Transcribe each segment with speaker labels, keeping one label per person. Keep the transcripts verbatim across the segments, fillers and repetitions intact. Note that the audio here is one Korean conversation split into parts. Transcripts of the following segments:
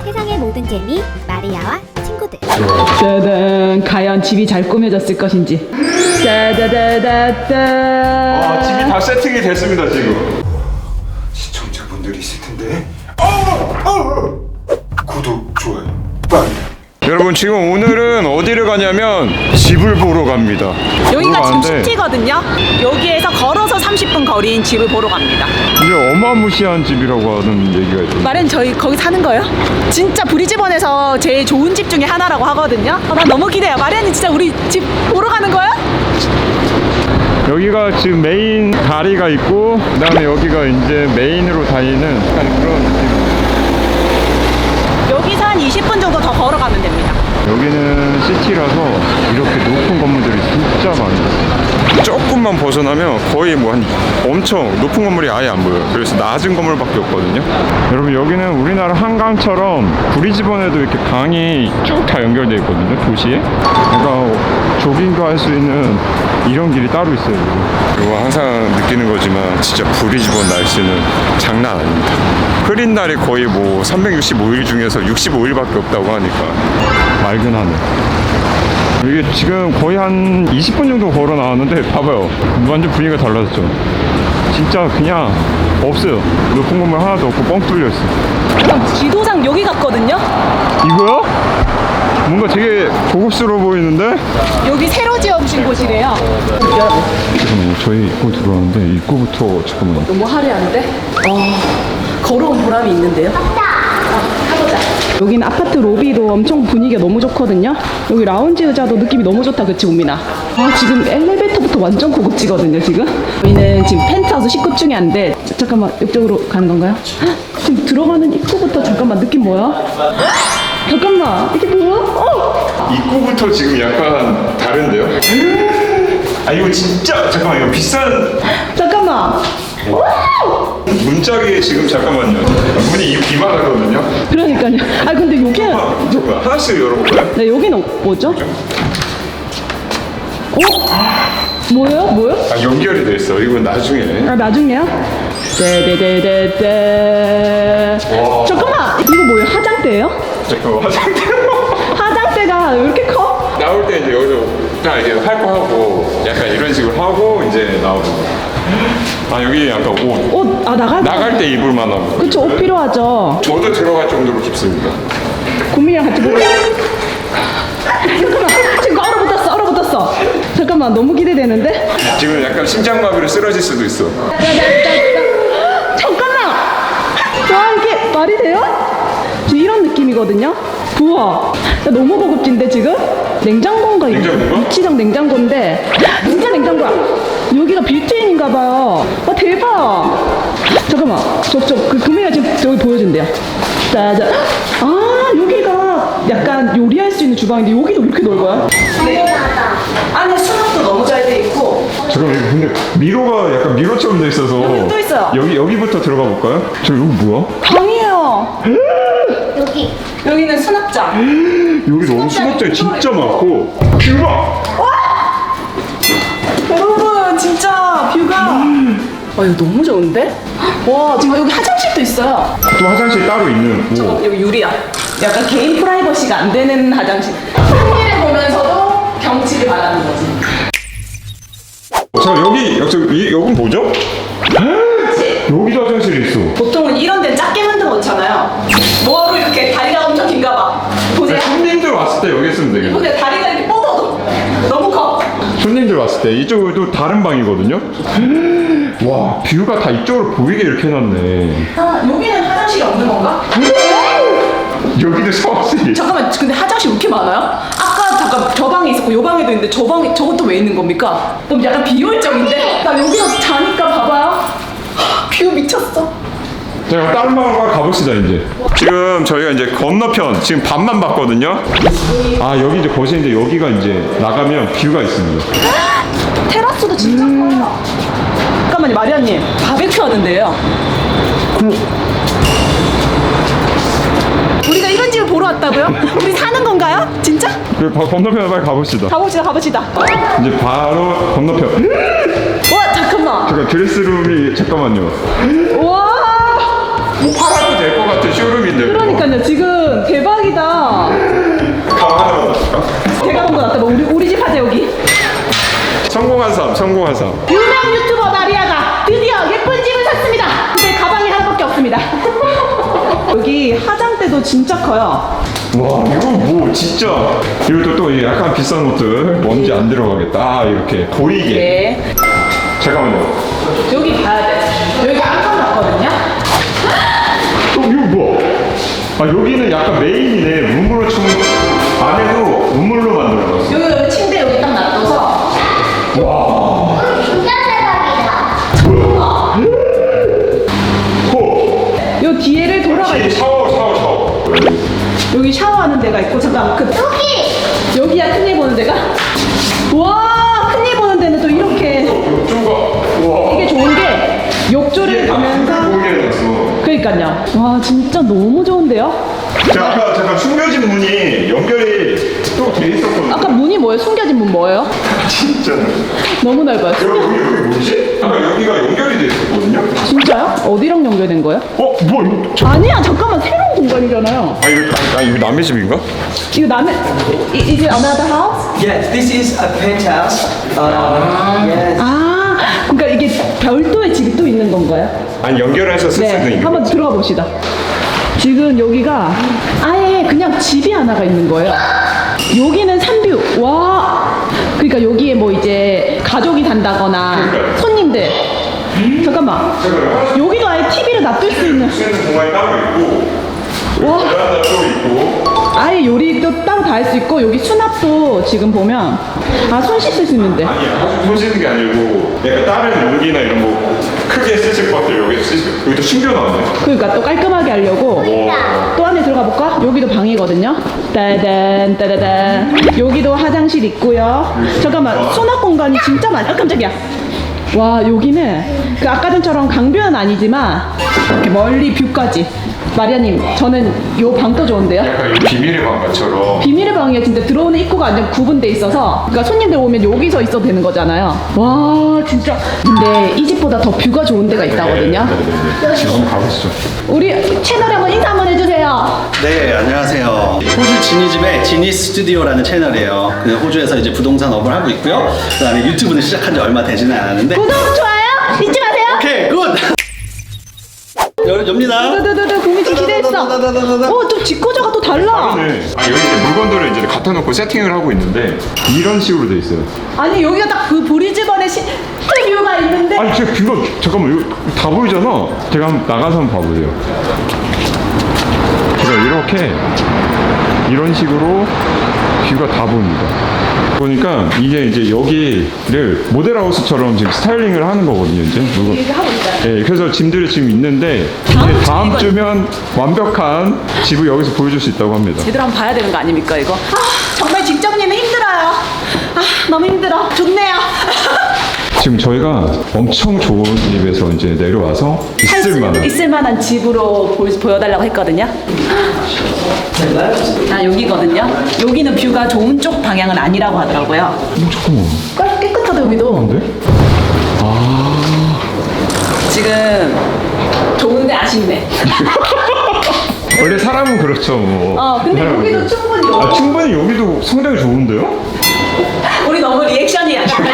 Speaker 1: 세상의 모든 재미 마리아와 친구들.
Speaker 2: 짜잔, 과연 집이 잘 꾸며졌을 것인지. 짜자자자자.
Speaker 3: 아, 집이 다 세팅이 됐습니다 지금. 시청자분들이 있을 텐데. 어, 어. 구독, 좋아요, 빨리. 여러분 지금 오늘은 어디를 가냐면 집을 보러 갑니다.
Speaker 4: 여기가
Speaker 3: 보러
Speaker 4: 지금
Speaker 3: 가는데
Speaker 4: 시티거든요. 여기에서 걸어서 삼십 분 거리인 집을 보러 갑니다.
Speaker 3: 이게 어마무시한 집이라고 하는 얘기가 있던데.
Speaker 4: 말은 저희 거기 사는 거예요? 진짜 브리즈번에서 제일 좋은 집 중에 하나라고 하거든요. 아, 난 너무 기대해요. 마리아님 진짜 우리 집 보러 가는 거예요?
Speaker 3: 여기가 지금 메인 다리가 있고 그다음에 여기가 이제 메인으로 다니는 약간 그런 느낌.
Speaker 4: 여기서 한 이십 분 정도 더 걸어가면 됩니다.
Speaker 3: 여기는 시티라서 이렇게 높은 건물들이 진짜 많아요. 조금만 벗어나면 거의 뭐 한 엄청 높은 건물이 아예 안 보여요. 그래서 낮은 건물밖에 없거든요. 여러분 여기는 우리나라 한강처럼 브리즈번에도 이렇게 강이 쭉 다 연결되어 있거든요. 도시에. 그러니까 조깅도 할 수 있는 이런 길이 따로 있어요. 그리고 항상 느끼는 거지만 진짜 브리즈번 날씨는 장난 아닙니다. 흐린 날이 거의 뭐 삼백육십오 일 중에서 육십오 일밖에 없다고 하니까 맑은 하늘. 이게 지금 거의 한 이십 분 정도 걸어 나왔는데 봐봐요. 완전 분위기가 달라졌죠. 진짜 그냥 없어요. 높은 건물 하나도 없고 뻥 뚫려 있어.
Speaker 4: 그럼 지도상 여기 갔거든요.
Speaker 3: 이거요? 뭔가 되게 고급스러워 보이는데?
Speaker 4: 여기 새로 지어주신 곳이래요.
Speaker 3: 잠깐만요. 저희 입구 들어왔는데 입구부터 잠깐만요.
Speaker 2: 너무 화려한데? 어, 걸어온 보람이 있는데요? 여기는 아파트 로비도 엄청 분위기가 너무 좋거든요. 여기 라운지 의자도 느낌이 너무 좋다, 그치 우민아? 아, 지금 엘리베이터부터 완전 고급지거든요 지금. 저희는 지금 펜트하우스 십 급 중에 한데 자, 잠깐만 이쪽으로 가는 건가요? 헉, 지금 들어가는 입구부터 잠깐만 느낌 뭐야? 잠깐만 이게 뭐야? 어!
Speaker 3: 입구부터 지금 약간 다른데요? 아 이거 진짜 잠깐만 이거 비싼
Speaker 2: 잠깐만.
Speaker 3: 문짝이 지금 잠깐만요. 문이 이- 이만하거든요.
Speaker 2: 그러니까요. 아 근데 여기
Speaker 3: 아, 잠깐만 하나씩 열어볼까요?
Speaker 2: 네, 여기는 뭐죠? 어? 뭐예요? 뭐예요?
Speaker 3: 아 연결이 돼 있어. 이건 나중에.
Speaker 2: 아 나중에요? 떼떼떼떼떼.
Speaker 3: 와.
Speaker 2: 잠깐만 이거 뭐예요? 화장대예요?
Speaker 3: 잠깐만 화장대.
Speaker 2: 화장대가 왜 이렇게 커?
Speaker 3: 나올 때 이제 여기서 딱 이제 할 거 하고 약간 이런 식으로 하고 이제 나오는 거. 아 여기 약간 옷.
Speaker 2: 옷, 아 나갈 때
Speaker 3: 나갈 때 입을 만한 거.
Speaker 2: 그쵸, 옷 필요하죠.
Speaker 3: 저도 들어갈 정도로 깊습니다.
Speaker 2: 고민이랑 같이 보고. 잠깐만 지금 얼어붙었어 얼어붙었어. 잠깐만 너무 기대되는데?
Speaker 3: 지금 약간 심장마비로 쓰러질 수도 있어.
Speaker 2: 잠깐만. 와 이게 말이 돼요? 지금 이런 느낌이거든요. 우와 야, 너무 고급진데 지금? 냉장고인가 이거?
Speaker 3: 냉장고인가?
Speaker 2: 위치장 냉장고인데 진짜 냉장고야. 여기가 빌트인인가 봐요. 와 대박. 잠깐만 저쪽 그 금이가 지금 저기 보여준대요. 짜잔. 아 여기가 약간 요리할 수 있는 주방인데 여기도 이렇게 넓어요? 안에 수납도 너무 잘 돼 있고.
Speaker 3: 잠깐만 이거 근데 미로가 약간 미로처럼 돼 있어서
Speaker 2: 여기 또 있어요.
Speaker 3: 여기 여기부터 들어가 볼까요? 저 여기 뭐야?
Speaker 2: 방이에요.
Speaker 1: 여기
Speaker 2: 여기는 수납장.
Speaker 3: 여기 너무 수납장이 진짜 많고 뷰가
Speaker 2: 여러분 진짜 뷰가 와 이거 너무 좋은데? 와 지금 여기 화장실도 있어요.
Speaker 3: 또 화장실 따로 있는 오.
Speaker 2: 여기 유리야. 약간 개인 프라이버시가 안 되는 화장실. 풍미를 보면서도 경치를 바라는 거지.
Speaker 3: 자 여기 여기 여긴 뭐죠? 여기도 화장실이 있어.
Speaker 2: 보통은 이런 데는 작게 만들어 놓잖아요. 뭐하러 이렇게 다리가 엄청 긴가 봐. 보세요.
Speaker 3: 손님들 왔을 때 여기 있으면 되겠네.
Speaker 2: 보세요. 다리가 이렇게 뻗어도 너무 커.
Speaker 3: 손님들 왔을 때 이쪽은 또 다른 방이거든요. 와 뷰가 다 이쪽으로 보이게 이렇게 해놨네.
Speaker 2: 아 여기는 화장실이 없는 건가?
Speaker 3: 여기도 샤워실이.
Speaker 2: 잠깐만 근데 화장실 왜 이렇게 많아요? 아까 잠깐 저 방에 있었고 요 방에도 있는데 저 방에 저것도 왜 있는 겁니까? 그럼 약간 비효율적인데? 나 여기서 자니까 봐봐요. 뷰 미쳤어.
Speaker 3: 자 그럼 다른 방으로 가봅시다 이제. 지금 저희가 이제 건너편 지금 반만 봤거든요. 아 여기 이제 거실인데 여기가 이제 나가면 뷰가 있습니다.
Speaker 2: 테라스도 진짜 커요. 잠깐만요 마리아님 바베큐 하는데요. 우리가 이런 집을 보러 왔다고요? 우리 사는 건가요? 진짜?
Speaker 3: 그 바- 건너편에 빨리 가봅시다.
Speaker 2: 가봅시다 가봅시다.
Speaker 3: 이제 바로 건너편.
Speaker 2: 와 잠깐만.
Speaker 3: 잠깐 드레스룸이 잠깐만요.
Speaker 2: 와
Speaker 3: 뭐 팔아도 될 것 같은 쇼룸인데.
Speaker 2: 그러니까요 지금
Speaker 3: 성공하자.
Speaker 2: 유명 유튜버 마리아가 드디어 예쁜 집을 샀습니다. 근데 가방이 하나밖에 없습니다. 여기 화장대도 진짜 커요.
Speaker 3: 와 이거 뭐 진짜 이것도 또 약간 비싼 옷들 먼지 안 들어가겠다. 아, 이렇게 보이게.
Speaker 2: 네.
Speaker 3: 잠깐만요.
Speaker 2: 여기 가야 돼. 여기가 안방 같거든요.
Speaker 3: 어, 이거 뭐야? 아 여기는 약간 메인이네. 문물로 chung 안에도 문물로 만들어놨어.
Speaker 2: 여기, 여기 침대 여기 딱 놔둬서.
Speaker 3: 와.
Speaker 1: 진짜 대박이다.
Speaker 3: 뭐야? 호.
Speaker 2: 요 뒤에를 돌아가.
Speaker 3: 뒤에 샤워 샤워 샤워.
Speaker 2: 여기 샤워하는 데가 있고 잠깐 그
Speaker 1: 여기.
Speaker 2: 여기야 큰일 보는 데가. 와 큰일 보는 데는 또 이렇게
Speaker 3: 욕조가 와.
Speaker 2: 이게 좋은 게 욕조를 보면서.
Speaker 3: 보이게 해놨어.
Speaker 2: 그러니까요. 와 진짜 너무 좋은데요?
Speaker 3: 자, 아까 잠깐 숨겨진 문이 연결이 또 돼 있었거든요.
Speaker 2: 아까 문이 뭐예요? 숨겨진 문 뭐예요?
Speaker 3: 진짜.
Speaker 2: 너무 넓어요.
Speaker 3: 여기
Speaker 2: 숨겨...
Speaker 3: 여기 여기 뭐지? 아까 여기가 연결이 돼 있었거든요.
Speaker 2: 진짜요? 어디랑 연결된 거예요?
Speaker 3: 어, 뭐 이거? 저...
Speaker 2: 아니야 잠깐만 새로운 공간이잖아요.
Speaker 3: 아 이거 아 이거 남의 집인가?
Speaker 2: 이거 남의 이- Is it another house?
Speaker 5: Yes, this is a penthouse. Uh, yes.
Speaker 2: 아 그러니까 이게 별도의 집이 또 있는 건가요?
Speaker 3: 아니 연결해서 쓸 수도
Speaker 2: 네
Speaker 3: 있는
Speaker 2: 한번
Speaker 3: 거지.
Speaker 2: 들어가 봅시다. 지금 여기가 아예 그냥 집이 하나가 있는 거예요. 여기는 산뷰. 와 그러니까 여기에 뭐 이제 가족이 산다거나
Speaker 3: 그러니까요.
Speaker 2: 손님들 잠깐만
Speaker 3: 잠깐만요.
Speaker 2: 여기도 아예 티비를 놔둘 수 있는
Speaker 3: 쓰는 공간이 따로 있고
Speaker 2: 와.
Speaker 3: 베란다 또 있고.
Speaker 2: 아예 요리도 따로 다 할 수 있고 여기 수납도 지금 보면 아 손 씻을 수 있는데
Speaker 3: 아니 아주 손 씻는 게 아니고 약간 다른 용기나 이런 거 크게 쓰실 것들 여기 쓰실 여기도 숨겨놨네.
Speaker 2: 그러니까 또 깔끔하게 하려고 또 안에 들어가 볼까? 여기도 방이거든요. 따단 따다단 여기도 화장실 있고요. 잠깐만 수납 공간이 진짜 많아. 아, 깜짝이야. 와 여기는 그 아까 전처럼 강변은 아니지만 이렇게 멀리 뷰까지. 마리아님 저는 요 방도 좋은데요.
Speaker 3: 약간 이 비밀의 방가처럼.
Speaker 2: 비밀의 방에 진짜 들어오는 입구가 완전 구분돼 있어서 그러니까 손님들 오면 여기서 있어도 되는 거잖아요. 와 진짜. 근데 이 집보다 더 뷰가 좋은 데가 있다거든요.
Speaker 3: 네네네. 지금 한번 가보시죠.
Speaker 2: 우리 채널에 한번 인사 한번 해주세요.
Speaker 5: 네, 안녕하세요. 호주 지니집의 지니 스튜디오라는 채널이에요. 그냥 호주에서 이제 부동산 업을 하고 있고요. 그다음에 유튜브는 시작한 지 얼마 되지는 않았는데.
Speaker 2: 구독 좋아요 잊지 마세요.
Speaker 5: 오케이, 굿. 열, 엽니다.
Speaker 2: 두두두두 구미 좀 기대했어. 어좀 직구조가 또 달라.
Speaker 3: 네. 아 여기 이제 물건들을 이제 갖다 놓고 세팅을 하고 있는데 이런 식으로 돼 있어요.
Speaker 2: 아니 여기가 딱 그 브리즈번의 시 뷰가 있는데.
Speaker 3: 아니 제가 뷰가 잠깐만 이거 다 보이잖아. 제가 한번 나가서 한번 봐보세요. 제가 이렇게 이런 식으로 뷰가 다 보입니다. 보니까 이게 이제 여기를 모델하우스처럼 지금 스타일링을 하는 거거든요. 이제 물건.
Speaker 2: 이렇게 하고 있어요.
Speaker 3: 네, 그래서 짐들이 지금 있는데
Speaker 2: 다음
Speaker 3: 이제 다음
Speaker 2: 주
Speaker 3: 주면 완벽한 집을 여기서 보여줄 수 있다고 합니다.
Speaker 2: 제대로 한번 봐야 되는 거 아닙니까 이거? 아 정말 직접님은 힘들어요. 아 너무 힘들어. 좋네요.
Speaker 3: 지금 저희가 엄청 좋은 집에서 이제 내려와서
Speaker 2: 할 수-
Speaker 3: 있을 만한
Speaker 2: 있을 만한 집으로 보, 보여달라고 했거든요. 아 여기거든요. 여기는 뷰가 좋은 쪽 방향은 아니라고 하더라고요.
Speaker 3: 잠깐만.
Speaker 2: 깨- 깨끗하다 여기도.
Speaker 3: 근데? 아
Speaker 2: 지금 좋은데 아쉽네.
Speaker 3: 원래 사람은 그렇죠 뭐.
Speaker 2: 어 근데
Speaker 3: 사람은
Speaker 2: 여기도
Speaker 3: 그렇죠.
Speaker 2: 충분히
Speaker 3: 아
Speaker 2: 여기
Speaker 3: 충분히 여기도 상당히 좋은데요?
Speaker 2: 우리 너무 리액션이 약간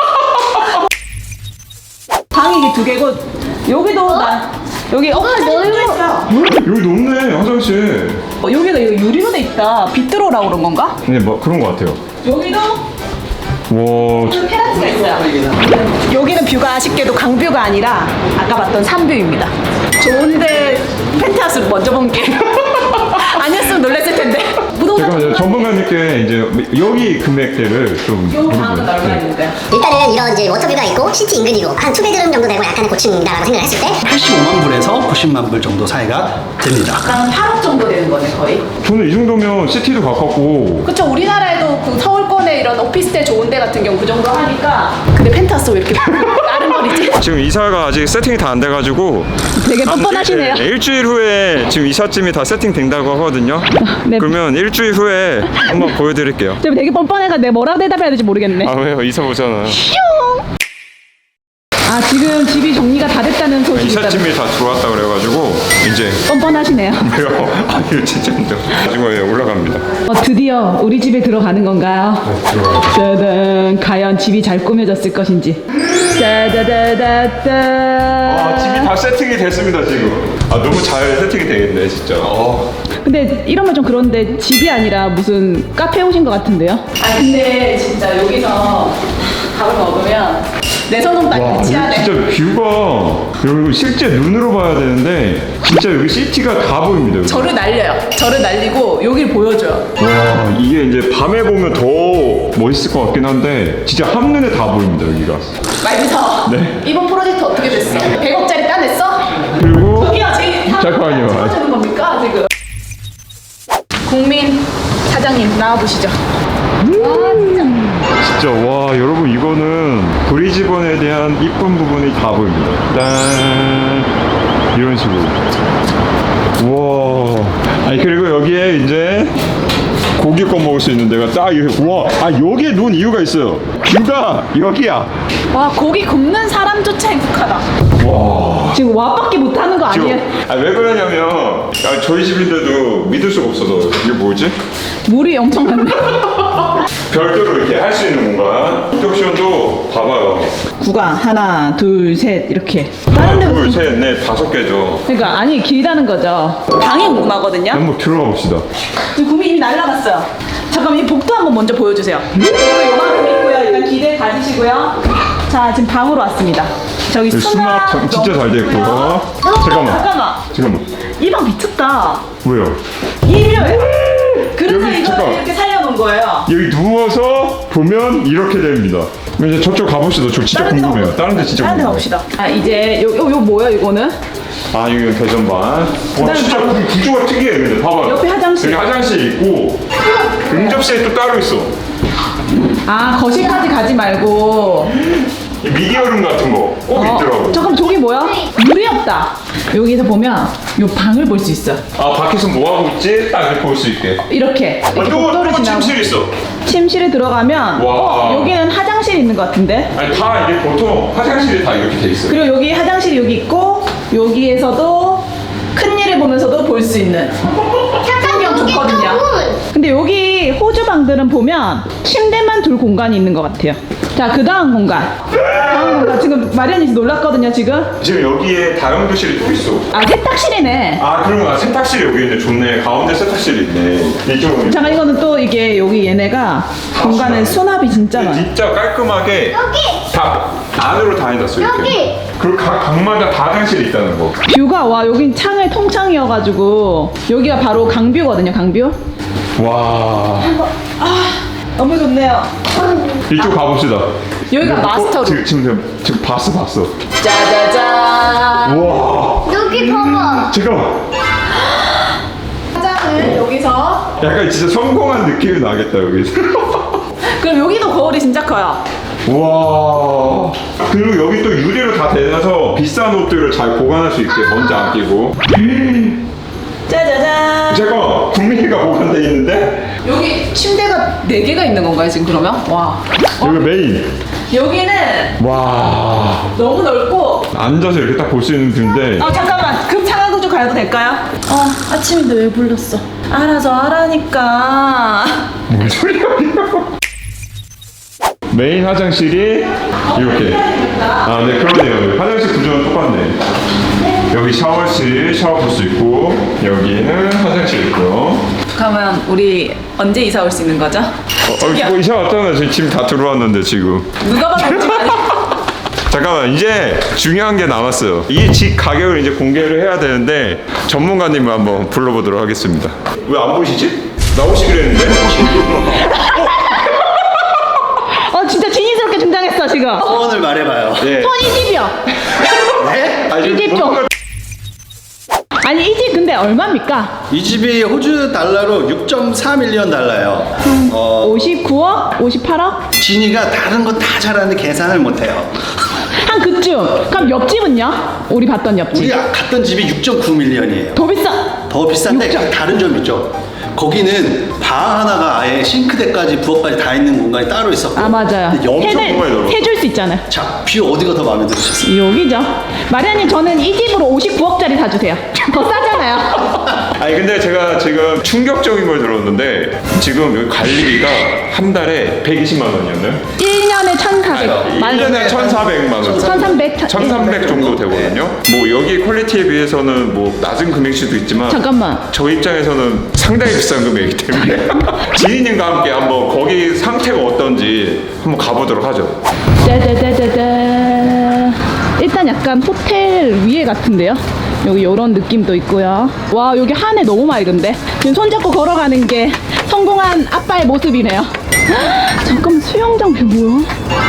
Speaker 2: 방이 이게 두 개고 여기도 나 여기 어 화장실도 있어요.
Speaker 3: 여기 높네 화장실.
Speaker 2: 어, 여기가 이거 유리로 돼 있다. 비트로라고 그런 건가?
Speaker 3: 네, 뭐 그런 것 같아요.
Speaker 2: 여기도
Speaker 3: 와,
Speaker 2: 그 테라스가 있어요. 여기는 뷰가 아쉽게도 강뷰가 아니라 아까 봤던 산뷰입니다. 좋은데 펜트하우스를 먼저 본 게 아니었으면 놀랐을 텐데. 부동산
Speaker 3: 제가 이제 전문가님께 이제 여기 금액대를 좀
Speaker 2: 요 방은
Speaker 3: 물어보요.
Speaker 2: 얼마 있는데?
Speaker 1: 일단은 이런 이제 워터뷰가 있고 시티 인근이고 한 투베드룸 정도 되고 약간의 고층이다라고 생각을 했을 때
Speaker 5: 팔십오만 불에서 구십만 불 정도 사이가 됩니다.
Speaker 2: 한 팔억 정도 되는 거네 거의.
Speaker 3: 저는 이 정도면 시티도 가깝고
Speaker 2: 그쵸 우리나라에도 그 서울권에 이런 오피스텔 좋은 데 같은 경우 그 정도 하니까 근데 펜트하우스 왜 이렇게 다른 거리지?
Speaker 3: 지금 이사가 아직 세팅이 다 안 돼가지고
Speaker 2: 되게 뻔뻔하시네요.
Speaker 3: 한 일, 일주일 후에 지금 이삿짐이 다 세팅된다고 하거든요.
Speaker 2: 네.
Speaker 3: 그러면 일주일 후에 한번 보여드릴게요.
Speaker 2: 되게 뻔뻔해가 내가 뭐라고 대답해야 될지 모르겠네.
Speaker 3: 아 왜요? 이사 오잖아요.
Speaker 2: 아 지금 집이 정리가 다 됐다는 소식이 있다.
Speaker 3: 이삿짐이 다 들어왔다 그래가지고 이제
Speaker 2: 뻔뻔하시네요.
Speaker 3: 왜요? 아 이거 진짜 힘들어. 나중에 올라갑니다.
Speaker 2: 어, 드디어 우리 집에 들어가는 건가요? 짜잔. 과연 집이 잘 꾸며졌을 것인지. 짜자자자자.
Speaker 3: 아 집이 다 세팅이 됐습니다 지금. 아 너무 잘 세팅이 되겠네 진짜. 어.
Speaker 2: 근데 이러면 좀 그런데 집이 아니라 무슨 카페 오신 것 같은데요? 아 근데 진짜 여기서 밥을 먹으면 내 손은 딱
Speaker 3: 와,
Speaker 2: 끝이야.
Speaker 3: 여기 진짜 뷰가 여기 실제 눈으로 봐야 되는데 진짜 여기 시티가 다 보입니다. 여기.
Speaker 4: 저를 날려요. 저를 날리고 여기를 보여줘요.
Speaker 3: 와 이게 이제 밤에 보면 더 멋있을 것 같긴 한데 진짜 한눈에 다 보입니다 여기가.
Speaker 4: 말부터.
Speaker 3: 네.
Speaker 4: 이번 프로젝트 어떻게 됐어? 백억짜리 따냈어?
Speaker 3: 그리고
Speaker 4: 저기요, 제
Speaker 3: 잠깐만요.
Speaker 4: 찍어주는 겁니까 지금? 국민 사장님 나와보시죠.
Speaker 3: 진짜 와 여러분 이거는 브리즈번에 대한 이쁜 부분이 다 보입니다. 짠 이런 식으로. 와 아니 그리고 여기에 이제 고기 꺼 먹을 수 있는 데가 딱 이렇게 와아 여기에 놓은 이유가 있어요. 뷰가 여기야.
Speaker 4: 와 고기 굽는 사람조차 행복하다.
Speaker 3: 와
Speaker 2: 지금 와밖에 못하는 거 아니에요?
Speaker 3: 아왜 그러냐면 아, 저희 집인데도 믿을 수가 없어서 이게 뭐지?
Speaker 2: 물이 엄청 많네.
Speaker 3: 별도로 이렇게 할 수 있는 공간. 인덕션도 봐봐요.
Speaker 2: 구강 하나 둘 셋 이렇게.
Speaker 3: 하나
Speaker 2: 다른 데
Speaker 3: 둘
Speaker 2: 무슨-
Speaker 3: 셋 넷 다섯 개죠.
Speaker 2: 그러니까 아니 길다는 거죠.
Speaker 4: 방이 궁금하거든요.
Speaker 3: 한번 들어가 봅시다.
Speaker 4: 지금 구미 이미 날라갔어요. 잠깐만 이 복도 한번 먼저 보여주세요. 복도 요만큼 있고요. 일단 기대 가지시고요.
Speaker 2: 자 지금 방으로 왔습니다.
Speaker 4: 저기
Speaker 3: 수납
Speaker 4: 수납
Speaker 3: 참- 진짜
Speaker 4: 너무
Speaker 3: 잘 돼 있고요.
Speaker 4: 좋고요.
Speaker 3: 잠깐만.
Speaker 4: 잠깐만.
Speaker 3: 잠깐만.
Speaker 4: 이 방 미쳤다.
Speaker 3: 왜요?
Speaker 4: 이묘해. 그래서
Speaker 3: 여기
Speaker 4: 이걸
Speaker 3: 잠깐.
Speaker 4: 이렇게 살려놓은 거예요.
Speaker 3: 여기 누워서 보면 이렇게 됩니다. 그럼 이제 저쪽 가봅시다. 저 진짜
Speaker 4: 다른 데
Speaker 3: 궁금해요.
Speaker 4: 가봅시다.
Speaker 3: 다른 데 진짜
Speaker 4: 다른 데
Speaker 3: 궁금해요.
Speaker 4: 가봅시다.
Speaker 2: 아 이제 요 요 요 뭐야 이거는?
Speaker 3: 아 여기 개전반. 와
Speaker 2: 그다음에
Speaker 3: 진짜
Speaker 2: 바로-
Speaker 3: 구- 구조가 특이해. 근데 봐봐요.
Speaker 2: 옆에 화장실.
Speaker 3: 여기 화장실 있고 응접실이 또 따로 있어.
Speaker 2: 아 거실까지 가지 말고.
Speaker 3: 이 미디어룸 같은 거 꼭 있더라고.
Speaker 2: 잠깐 저기 뭐야? 물이 없다. 여기서 보면 요 방을 볼 수 있어.
Speaker 3: 아 밖에서 뭐 하고 있지? 딱 이렇게 볼 수 있게.
Speaker 2: 이렇게
Speaker 3: 아,
Speaker 2: 이렇게
Speaker 3: 또,
Speaker 2: 복도를
Speaker 3: 또
Speaker 2: 지나고
Speaker 3: 침실 있어.
Speaker 2: 침실에 들어가면
Speaker 3: 와.
Speaker 2: 어, 여기는 화장실이 있는 것 같은데.
Speaker 3: 아니 다 이게 보통 화장실이 다 이렇게 돼 있어요.
Speaker 2: 그리고 여기 화장실이 여기 있고 여기에서도 큰 일을 보면서도 볼 수 있는 풍경 좋거든요. 근데 여기 호주 방들은 보면 침대만 둘 공간이 있는 것 같아요. 자, 그 다음 공간. 다음 공간. 지금 마리안이 놀랐거든요, 지금.
Speaker 3: 지금 여기에 다용도실이 또 있어.
Speaker 2: 아, 세탁실이네.
Speaker 3: 아 그럼 아, 세탁실이 여기 있네. 좋네. 가운데 세탁실이 있네. 이쪽은
Speaker 2: 잠깐, 이거는 또 이게 여기 얘네가 공간에 수납이 진짜 많아.
Speaker 3: 진짜 깔끔하게 다 안으로 다 해놨어 이렇게.
Speaker 1: 여기!
Speaker 3: 그리고 각 방마다 다 화장실이 있다는 거.
Speaker 2: 뷰가, 와, 여긴 창을 통창이어가지고 여기가 바로 강뷰거든요, 강뷰.
Speaker 3: 와
Speaker 4: 너무 좋네요.
Speaker 3: 이쪽 가봅시다.
Speaker 4: 여기가
Speaker 3: 어,
Speaker 4: 마스터룸.
Speaker 3: 지금 지금 지금 봤어 봤어.
Speaker 4: 짜자잔.
Speaker 3: 와
Speaker 1: 여기 봐봐.
Speaker 3: 잠깐만.
Speaker 4: 화장을 여기서.
Speaker 3: 약간 진짜 성공한 느낌이 나겠다 여기서.
Speaker 4: 그럼 여기도 거울이 진짜 커요.
Speaker 3: 와 그리고 여기 또 유리로 다 대놔서 비싼 옷들을 잘 보관할 수 있게 먼지 안 끼고.
Speaker 4: 짜자잔.
Speaker 3: 잠깐만 국민이가 보관돼 있는데
Speaker 4: 여기 침대가 네 개가 있는 건가요 지금 그러면? 와.
Speaker 3: 여기 메인.
Speaker 4: 여기는
Speaker 3: 와
Speaker 4: 너무 넓고.
Speaker 3: 앉아서 이렇게 딱 볼 수 있는 뷰인데.
Speaker 4: 아 잠깐만 급 상황 구조 가도 될까요? 어 아침인데 왜 불렀어? 알아서 하라니까.
Speaker 3: 뭔 소리야 이거. 메인 화장실이 이렇게. 아, 네 그러네요. 화장실 구조는 똑같네. 여기 샤워실 샤워 볼 수 있고 여기는 화장실 있고요.
Speaker 4: 그러면 우리 언제 이사 올 수 있는 거죠?
Speaker 3: 어, 어, 뭐 이사 왔잖아. 지금 짐 다 들어왔는데 지금.
Speaker 4: 누가 봐도 집 아니.
Speaker 3: 잠깐만 이제 중요한 게 남았어요. 이 집 가격을 이제 공개를 해야 되는데 전문가님을 한번 불러보도록 하겠습니다. 왜 안 보이시지? 나오시기로 했는데.
Speaker 2: 어, 진짜 진이스럽게 등장했어, 지금.
Speaker 5: 소원을 말해봐요.
Speaker 3: 네.
Speaker 2: 이 집이요.
Speaker 5: 네?
Speaker 3: 아, 지금
Speaker 2: 이 집 좀.
Speaker 3: 전문가-
Speaker 2: 아니, 이 집 근데 얼마입니까?
Speaker 5: 이 집이 호주 달러로 육 점 사 밀리언 달러예요. 어,
Speaker 2: 오십구억? 오십팔억?
Speaker 5: 진이가 다른 거 다 잘하는데 계산을 못해요.
Speaker 2: 한 그쯤. 그럼 옆집은요? 우리 봤던 옆집.
Speaker 5: 우리 갔던 집이 육 점 구 밀리언이에요.
Speaker 2: 더 비싸.
Speaker 5: 더 비싼데
Speaker 2: 육 점.
Speaker 5: 다른 점 있죠. 거기는 방 하나가 아예 싱크대까지 부엌까지 다 있는 공간이 따로 있었고.
Speaker 2: 아 맞아요.
Speaker 5: 근데 엄청
Speaker 2: 해줄-
Speaker 3: 공간이 넓어.
Speaker 2: 해줄 수 있잖아요.
Speaker 5: 자, 뷰 어디가 더 마음에 들으셨어요?
Speaker 2: 여기죠. 마리아님 저는 이 집으로 오십구억짜리 사주세요. 더 싸잖아요.
Speaker 3: 아니 근데 제가 지금 충격적인 걸 들었는데 지금 여기 관리비가 한 달에 백이십만 원이었나요?
Speaker 2: 일 년에 천사백.
Speaker 3: 일 년에 천사백만 원.
Speaker 2: 천삼백.
Speaker 3: 천삼백 정도 되거든요. 뭐 여기 퀄리티에 비해서는 뭐 낮은 금액일 수도 있지만
Speaker 2: 잠깐만.
Speaker 3: 저 입장에서는 상당히 비싼 금액이기 때문에 지인님과 함께 한번 거기 상태가 어떤지 한번 가보도록 하죠.
Speaker 2: 짜자자자자. 일단 약간 호텔 위에 같은데요. 여기 이런 느낌도 있고요. 와 여기 하늘 너무 맑은데 지금 손잡고 걸어가는 게 성공한 아빠의 모습이네요. 헉, 잠깐만 수영장 뷰 뭐야?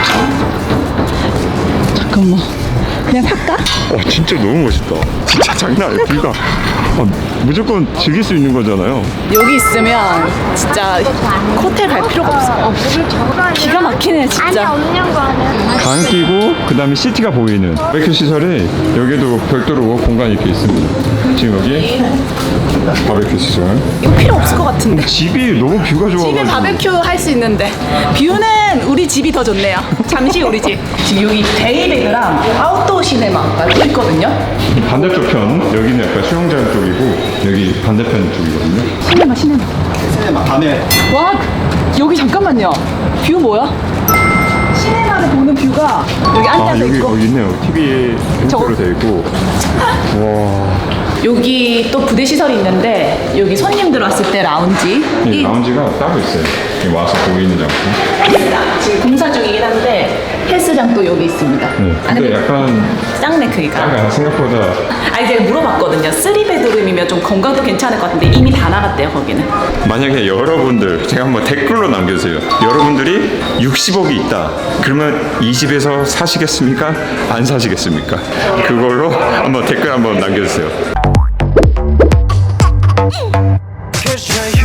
Speaker 2: 잠깐만 그냥 살까?
Speaker 3: 와 진짜 너무 멋있다. 진짜 장난 아니야. 뷰가 아, 무조건 즐길 수 있는 거잖아요.
Speaker 4: 여기 있으면 진짜 호텔 갈 필요가 없어. 기가 막히네 진짜.
Speaker 3: 방 끼고 그 다음에 시티가 보이는 바베큐 시설이 여기도 별도로 공간이 이렇게 있습니다. 지금 여기 바베큐 시설.
Speaker 4: 이거 필요 없을 것 같은데.
Speaker 3: 집이 너무 뷰가 좋아가지고
Speaker 4: 집에 바베큐 할 수 있는데 뷰는 우리 집이 더 좋네요. 잠시 우리 집. 지금 여기 데이베드랑 아웃도어 시네마가 또 있거든요.
Speaker 3: 반대쪽 편 여기는 약간 수영장 쪽이고 여기 반대편 쪽이거든요.
Speaker 2: 시네마 시네마.
Speaker 5: 시네마 밤에
Speaker 4: 와 여기 잠깐만요. 뷰 뭐야? 시네마를 보는 뷰가 여기 앉아서
Speaker 3: 아 여기
Speaker 4: 있고
Speaker 3: 여기 있네요. 티비에
Speaker 4: 저거-
Speaker 3: 인트로 돼 있고. 와.
Speaker 4: 여기 또 부대 시설이 있는데 여기 손님들 왔을 때 라운지.
Speaker 3: 이 라운지가 따로 있어요. 여기 와서 보이는 장소.
Speaker 4: 헬스장 지금 공사 중이긴 한데 헬스장도 여기 있습니다.
Speaker 3: 네.
Speaker 4: 아,
Speaker 3: 근데 약간
Speaker 4: 짱네 크기가.
Speaker 3: 약간 생각보다
Speaker 4: 아니 제가 물어봤거든요. 쓰리 베드룸이면 좀 건강도 괜찮을 것 같은데 이미 다 나갔대요 거기는.
Speaker 3: 만약에 여러분들 제가 한번 댓글로 남겨주세요. 여러분들이 육십억이 있다. 그러면 이 집에서 사시겠습니까? 안 사시겠습니까? 그걸로 한번 댓글 한번 남겨주세요.
Speaker 6: Cause you're